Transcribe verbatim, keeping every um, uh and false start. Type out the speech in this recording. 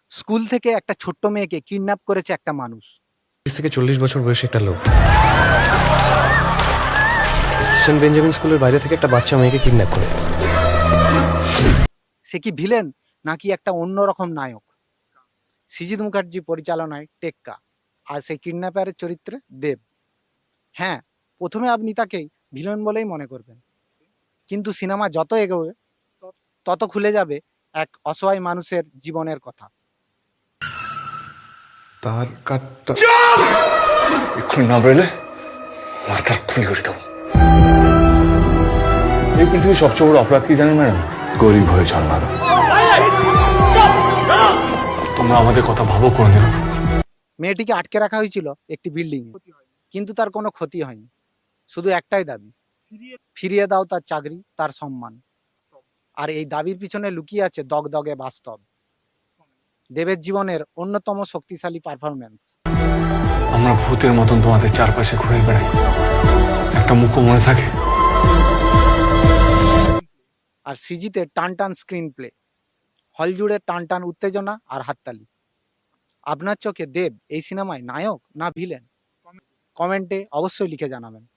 School থেকে একটা ছোট্ট মেয়েকে কিডন্যাপ করেছে একটা মানুষ। তিরিশ থেকে চল্লিশ বছর বয়সী একটা লোক সেন্ট বেঞ্জামিন স্কুলের বাইরে থেকে একটা বাচ্চা মেয়েকে কিডন্যাপ করে। সে কি ভিলেন নাকি একটা অন্যরকম নায়ক? সিজিত মুখার্জি পরিচালনায় টেক্কা, আর সেই কিডন্যাপারের চরিত্রে দেব। হ্যাঁ, প্রথমে আপনি তাকে ভিলেন বলেই মনে করবেন, কিন্তু সিনেমা যত এগোবে তত খুলে যাবে এক অসহায় মানুষের জীবনের কথা। তার কাটটা এক্ষুনি না বেরোলে মাথার খুলি করে দেবো। এই পৃথিবীর সবচেয়ে বড় অপরাধ কি জানেন ম্যাডাম? গরিব হয়ে জন্মানো। তোমরা আমাদের কথা ভাবো কোনদিন? মেয়েটিকে আটকে রাখা হয়েছিল একটি বিল্ডিং এ, কিন্তু তার কোনো ক্ষতি হয়নি। শুধু একটাই দাবি, ফিরিয়ে দাও তার চাকরি, তার সম্মান। আর এই দাবির পিছনে লুকিয়ে আছে দগদগে বাস্তব, দেবের জীবনের অন্যতম শক্তিশালী পারফরমেন্স। আমরা ভূতের মতন তোমাদের চারপাশে ঘুরে বেড়াই, একটা মুখও মনে থাকে। আর সিজিতে টান টান স্ক্রিন প্লে, হল জুড়ে টান টান উত্তেজনা আর হাততালি। আপনার চোখে দেব এই সিনেমায় নায়ক না ভিলেন? কমেন্টে অবশ্যই লিখে জানাবেন।